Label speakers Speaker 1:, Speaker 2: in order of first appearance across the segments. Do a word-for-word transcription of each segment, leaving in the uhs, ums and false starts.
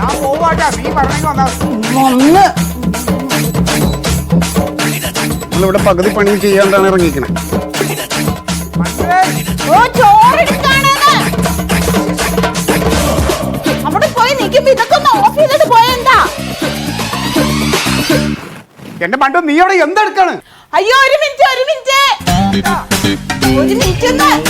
Speaker 1: നമ്മളിവിടെ പകുതി പണി ചെയ്യാണ്ടാണ് ഇറങ്ങിക്കണേ. എന്റെ മണ്ടു നീ അവിടെ എന്തെടുക്കാണ്?
Speaker 2: അയ്യോ ഒരു മിനിറ്റ് ഒരു മിനിറ്റ് ഒരു മിനിറ്റ്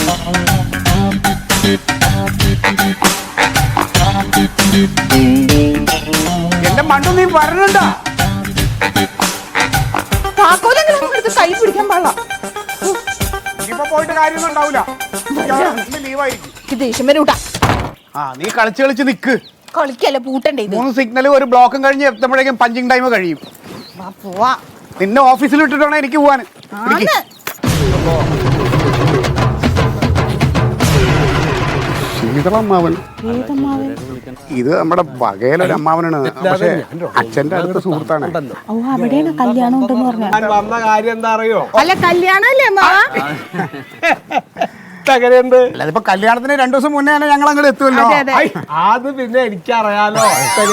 Speaker 1: എന്റെ മണ്ടു നീ വരണുണ്ടാ?
Speaker 2: കൈ പിടിക്കാൻ പാടില്ല.
Speaker 1: ഇപ്പൊ പോയിട്ട് കാര്യമൊന്നും ഉണ്ടാവില്ല.
Speaker 2: ദേഷ്യം വരെ കൂട്ടാ.
Speaker 1: ആ നീ കളിച്ച് കളിച്ച് നിക്ക്.
Speaker 2: കളിക്കല്ല പൂട്ടണ്ടേ.
Speaker 1: മൂന്ന് സിഗ്നൽ ഒരു ബ്ലോക്കും കഴിഞ്ഞ് എത്തുമ്പോഴേക്കും പഞ്ചിങ് ടൈം കഴിയും.
Speaker 2: പോവാ.
Speaker 1: നിന്നെ ഓഫീസിൽ ഇട്ടിട്ടാണ് എനിക്ക് പോവാൻ. ശീതളമ്മാവൻ ഇത് നമ്മുടെ വകയിലൊരു അമ്മാവനാണ്. പക്ഷെ അച്ഛന്റെ അടുത്ത സുഹൃത്താണ്.
Speaker 2: അവിടെയാണ് കല്യാണം ഉണ്ടെന്ന് പറഞ്ഞു.
Speaker 3: വന്ന കാര്യം എന്താ അറിയോ?
Speaker 2: അല്ല കല്യാണല്ലേ
Speaker 1: അല്ലാതെ ഇപ്പൊ കല്യാണത്തിന് രണ്ടു ദിവസം മുന്നേ തന്നെ ഞങ്ങൾ അങ്ങോട്ട് എത്തുമല്ലോ.
Speaker 3: അത് പിന്നെ എനിക്കറിയാലോ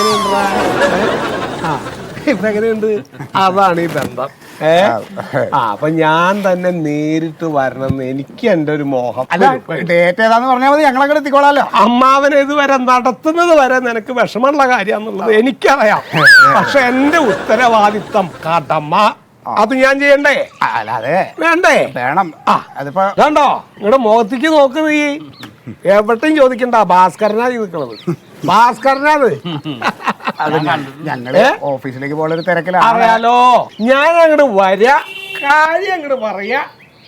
Speaker 3: ഇപ്പൊ എങ്ങനെയുണ്ട്. അതാണ് ഈ ബന്ധം. ഏ ആ അപ്പൊ ഞാൻ തന്നെ നേരിട്ട് വരണമെന്ന് എനിക്ക് എന്റെ ഒരു മോഹം.
Speaker 1: ഡേറ്റ് ഏതാന്ന് പറഞ്ഞാൽ മതി, ഞങ്ങൾ അങ്ങോട്ട് എത്തിക്കോളാലോ.
Speaker 3: അമ്മാവനെ ഇതുവരെ നടത്തുന്നത് വരെ നിനക്ക് വിഷമമുള്ള കാര്യാന്നുള്ളത് എനിക്കറിയാം. പക്ഷെ എന്റെ ഉത്തരവാദിത്തം കടമ അത് ഞാൻ ചെയ്യണ്ടേ?
Speaker 1: അല്ലാതെ
Speaker 3: വേണ്ടേ?
Speaker 1: വേണം. ആ അതിപ്പോ
Speaker 3: കണ്ടോ നിങ്ങളുടെ മുഖത്തേക്ക് നോക്ക്. നീ എവിടെയും ചോദിക്കണ്ട ഭാസ്കരനാ നിൽക്കണത്. ഭാസ്കരനാത്
Speaker 1: ഞങ്ങള് ഓഫീസിലേക്ക് പോലൊരു തിരക്കിലാണ്.
Speaker 3: അറിയാലോ. ഞാൻ അങ്ങോട്ട് വരാ, കാര്യം അങ്ങോട്ട് പറയാ.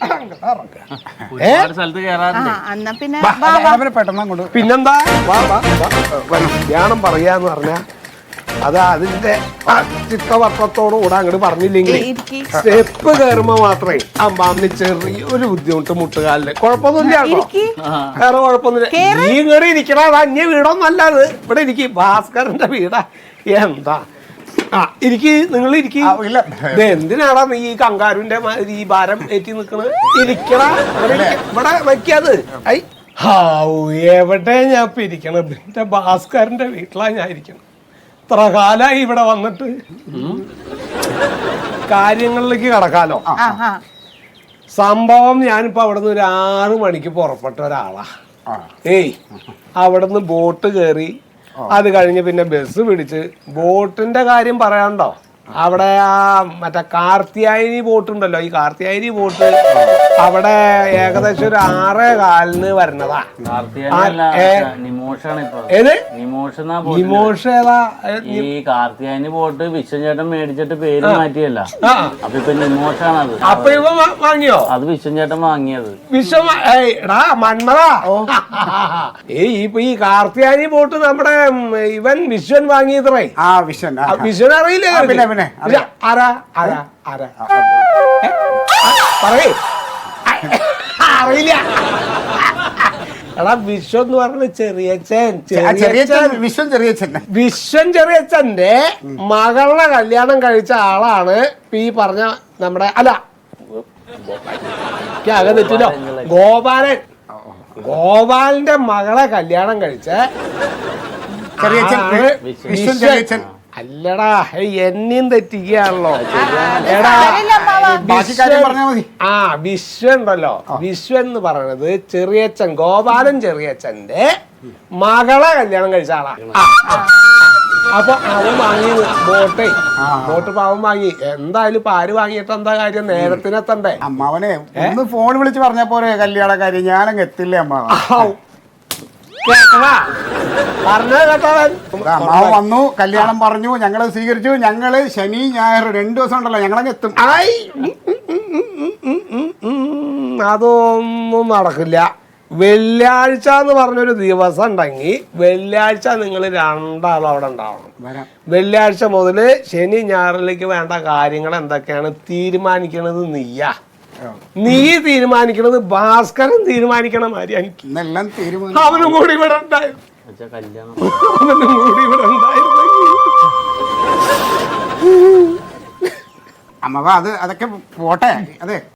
Speaker 3: പിന്നെന്താ കല്യാണം പറയാന്ന് പറഞ്ഞ അത് അതിന്റെ ചിത്തവർത്തത്തോടു കൂടെ അങ്ങോട്ട് പറഞ്ഞില്ലെങ്കിൽ സ്റ്റെപ്പ് കയറുമ്പോ മാത്രമേ അമ്മാമ്മ ചെറിയൊരു ബുദ്ധിമുട്ട് മുട്ടുകാലില്. കുഴപ്പമൊന്നുമില്ല, വേറെ കുഴപ്പമൊന്നുമില്ല. നീ ഇങ്ങോട്ട് ഇരിക്കണ അത് അന്യ വീടൊന്നല്ല. അത് ഇവിടെ ഇരിക്കും, ഭാസ്കരന്റെ വീടാ. എന്താ ആ ഇരിക്ക്, നിങ്ങൾ ഇരിക്ക്. എന്തിനാടാ നീ ഈ കങ്കാരുവിന്റെ ഈ ഭാരം ഏറ്റി നിക്കണ്? ഇരിക്കണ ഇവിടെ വെക്കാത്. ഐ ഹാവൂ എവിടെ ഞാൻ ഇപ്പൊ ഇരിക്കണം? എന്റെ ഭാസ്കരന്റെ വീട്ടിലാ ഞാൻ ഇരിക്കണം. ഇത്ര കാലായി ഇവിടെ വന്നിട്ട്. കാര്യങ്ങളിലേക്ക് കടക്കാലോ. സംഭവം ഞാനിപ്പോ അവിടുന്ന് ഒരു ആറു മണിക്ക് പുറപ്പെട്ട ഒരാളാ. ഏയ് അവിടുന്ന് ബോട്ട് കയറി, അത് കഴിഞ്ഞ് പിന്നെ ബസ് പിടിച്ച്. ബോട്ടിന്റെ കാര്യം പറയാണ്ടോ, അവിടെ ആ മറ്റേ കാർത്തിയായനി ബോട്ട് ഉണ്ടല്ലോ, ഈ കാർത്തിയായനി ബോട്ട് അവിടെ ഏകദേശം ഒരു ആറേ കാലിന് വരണതാ.
Speaker 4: ഈ കാർത്തിയായനി ബോട്ട് വിശ്വചേട്ടൻ മേടിച്ചിട്ട് പേര് മാറ്റിയല്ല, അപ്പൊ ഇപ്പൊ നിമോഷാണത്.
Speaker 3: അപ്പൊ ഇവ വാങ്ങിയോ?
Speaker 4: അത് വിശ്വചേട്ടൻ വാങ്ങിയത്.
Speaker 3: വിശ്വ എടാ മണ്ണതാ. ഏയ് ഇപ്പൊ ഈ കാർത്തിയായനി ബോട്ട് നമ്മുടെ ഇവൻ വിശ്വൻ വാങ്ങിയത്രേ. വിശ്വൻ അറിയില്ലേ? ആരാ ആരാ ആരാ പറയേ അറിയില്ല. എടാ വിശ്വം എന്ന് പറഞ്ഞ ചെറിയച്ഛൻ
Speaker 1: വിശ്വൻ ചെറിയച്ഛൻ
Speaker 3: വിശ്വൻ ചെറിയച്ഛന്റെ മകളുടെ കല്യാണം കഴിച്ച ആളാണ് ഈ പറഞ്ഞ നമ്മുടെ അല്ല ആകെ തെറ്റില്ലോ ഗോപാലൻ. ഗോപാലിന്റെ മകളെ കല്യാണം കഴിച്ച
Speaker 1: ചെറിയച്ഛൻ.
Speaker 3: അല്ലടാ എന്നെയും തെറ്റിക്കുകയാണല്ലോ. ആ വിശ്വൻ ഉണ്ടല്ലോ, വിശ്വൻ എന്ന് പറയണത് ചെറിയച്ഛൻ ഗോപാലൻ ചെറിയച്ഛന്റെ മകളെ കല്യാണം കഴിച്ച ആളാ. അപ്പൊ അവൻ വാങ്ങി ബോട്ടേ ബോട്ട് പാവൻ വാങ്ങി. എന്തായാലും ഇപ്പൊ ആര് വാങ്ങിയിട്ട് എന്താ കാര്യം? നേരത്തിനെത്തണ്ടേ?
Speaker 1: അമ്മാവനെ ഒന്ന് ഫോൺ വിളിച്ച് പറഞ്ഞ പോലെ കല്യാണ കാര്യം ഞാനങ്ങ് എത്തില്ലേ അമ്മാവ. അമ്മാവൻ വന്നു, കല്യാണം പറഞ്ഞു, ഞങ്ങള് സ്വീകരിച്ചു. ഞങ്ങള് ശനി ഞായർ രണ്ടു ദിവസം ഉണ്ടല്ലോ ഞങ്ങളങ്ങ് എത്തും.
Speaker 3: അതൊന്നും നടക്കില്ല. വെള്ളിയാഴ്ച എന്ന് പറഞ്ഞൊരു ദിവസം ഉണ്ടെങ്കിൽ വെള്ളിയാഴ്ച നിങ്ങൾ രണ്ടാളും അവിടെ ഉണ്ടാവണം. വെള്ളിയാഴ്ച മുതല് ശനി ഞായറിലേക്ക് വേണ്ട കാര്യങ്ങൾ എന്തൊക്കെയാണ് തീരുമാനിക്കണത് നീയാ. നീ തീരുമാനിക്കണത് ഭാസ്കരൻ തീരുമാനിക്കണ മാതിരി എനിക്ക് അവനും കൂടി ഇവിടെ ഉണ്ടായിരുന്നു. അവനും കൂടി ഇവിടെ ഉണ്ടായിരുന്നു.
Speaker 1: അമ്മ അത് അതൊക്കെ പോട്ടെ. അതെ